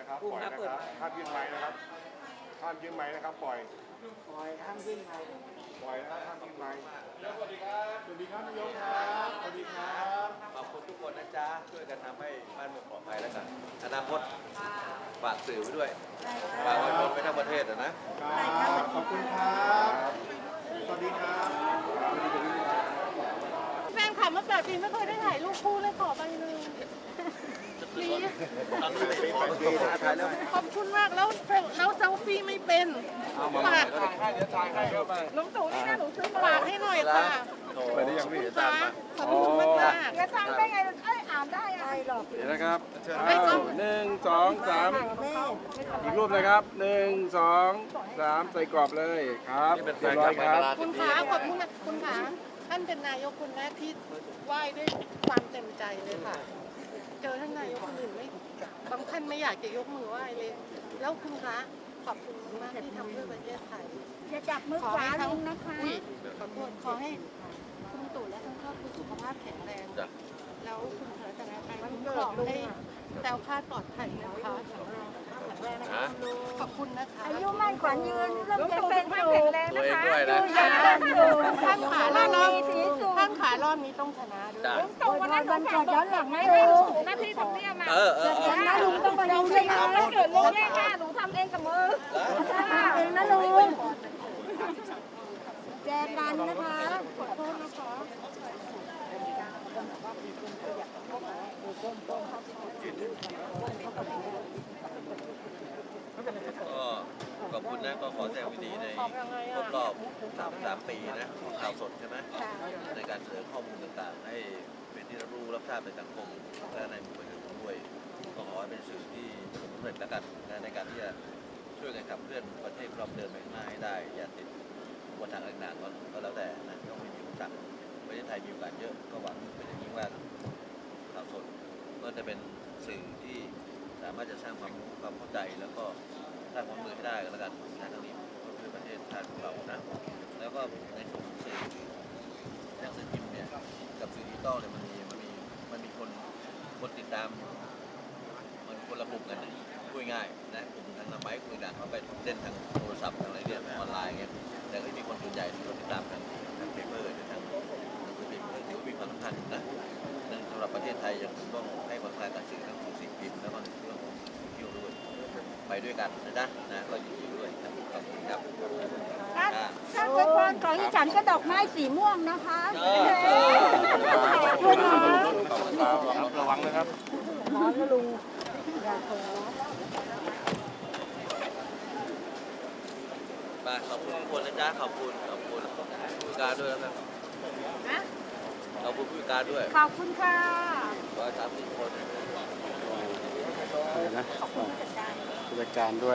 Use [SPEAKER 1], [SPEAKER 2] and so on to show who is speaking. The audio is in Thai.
[SPEAKER 1] นะครับปล่อยนะครับห้ามยื่นไม้นะครับห้ามยื่นไม้นะครับปล่อยห้ามยื่นไม้ปล่อยนะครับห้ามยื่นไม้สวัสดีครับสวัสดีครับนายกครับสวัสดีครับ
[SPEAKER 2] ขอบคุณทุกคนนะจ๊ะช่วยกันทำให้บ้านเมืองปลอดภัยแล้วกันอนาคตฝากสื่อไว้ด้วยฝากไว้ชนไปทั้งประเทศนะ
[SPEAKER 1] ขอบคุณครับสวัสดีครับ
[SPEAKER 3] แฟนขับมา8 ปีไม่เคยได้ถ่ายรูปคู่เลยขอใบหนึ่งนี่ขอบคุณมากแล้วเซลฟี่ไม่เป็นฝากน้องตู่นี่นะหนูซื้อฝากให้หน่อยค่ะ
[SPEAKER 1] ไปได้ยังพี่
[SPEAKER 3] ค่ะขอบคุณมากมาก
[SPEAKER 4] จะทำได้ไงอ่านได้อะไรหรอก
[SPEAKER 5] เดี๋ยวนะครับ1 2 3อีกรูปนะครับ1 2 3ใส่กรอบเลยครับเรียบร้อยครับ
[SPEAKER 3] คุณขาขอบคุณนะคุณขาท่านเป็นนายกคนแรกที่ไหว้ด้วยความเต็มใจเลยค่ะ เจอท่านนายกคนอื่นไม่บางท่านไม่อยากจะยกมือไหว้เลย แล้วคุณคะขอบคุณมากที่ทำเพื่อประเทศไทย
[SPEAKER 4] อย่าจับมือขวาลงนะคะ
[SPEAKER 3] ขอโทษขอให้คุณตู่และทั้งครอบครัวสุขภาพแข็งแรง แล้วคุณเถอแต่ละการคุ้มครองให้แคล้วคลาดปลอดภัยนะคะขอบคุณนะคะ
[SPEAKER 4] อายุมั่นขวัญยืนร่มเย็นเป็นสุข
[SPEAKER 2] ตัวเองด้วยนะ
[SPEAKER 3] ท่านขารอบนี้ท่านขารอบนี้ต้องชนะด้วย
[SPEAKER 4] ตู่วันนั้นวันเกิดย้อนหลังไม่ถูกหน้าที่ทำเนียมอ่ะนะลุงต้องมาดูด้วยนะถ้าเกิดลุงแย่ค่ะหนูทำเองกับมือเองนะลุงแจกันนะคะขอโทษนะคะ
[SPEAKER 2] ก็ขอบคุณนะก็ขอแสดงความยินดีในครบรอบ3 ปีนะของข่าวสดใช่ไหมในการเสนอข้อมูลต่างๆให้เป็นที่รับรู้รับทราบในสังคมและในหมู่ประชาชนด้วยก็ขอให้เป็นสื่อที่ประสบความสำเร็จแล้วกันในการที่จะช่วยกันขับเคลื่อนประเทศเราเดินไปข้างหน้าให้ได้อย่าติดอุปสรรคต่างๆก็แล้วแต่นะต้องมีอุปสรรคประเทศไทยมีโอกาสเยอะก็หวังเป็นอย่างยิ่งว่าข่าวสดก็จะเป็นสื่อที่สามารถจะสร้างความรู้ความเข้าใจแล้วก็สร้างความมือให้ได้กันแล้วกันนะทั้งนี้เพื่อประเทศชาติของเรานะแล้วก็ในส่วนของสื่อหนังสือพิมพ์เนี่ยกับสื่อดิจิตอลเนี่ยมันมีคนติดตามมันคนละกลุ่มกันพูดง่ายนะกลุ่มทางไม้กลุ่มต่างเขาไปเล่นทางโทรศัพท์ทางอะไรเนี่ยออนไลน์เงี้ยแต่ก็มีคนส่วนใหญ่ที่เขาติดตามทางเปเปอร์ทางหนังสือพิมพ์ถือว่ามีความสำคัญนะสำหรับประเทศไทยยังต้องให้ความสำคัญกับสื่อทั้งสื่อพิมพ์แล้วก็เรื่องของสื่อเที่ยวด้วยไปด้วยกันนะก็ยินดีด้วยครับขอบคุณครับ
[SPEAKER 4] ถ้าเกิดพรของอีฉันก็ดอกไม้สีม่วงนะคะ
[SPEAKER 1] ระวังนะครับ
[SPEAKER 4] ขอลุง
[SPEAKER 2] มาขอบคุณทุกคนนะจ๊ะขอบคุณผู้การด้วยนะครับขอบคุณผู้การด้วย
[SPEAKER 4] ขอบคุณค่ะ
[SPEAKER 2] 130 คน
[SPEAKER 5] ขอบคุณผู้จัดการด้วย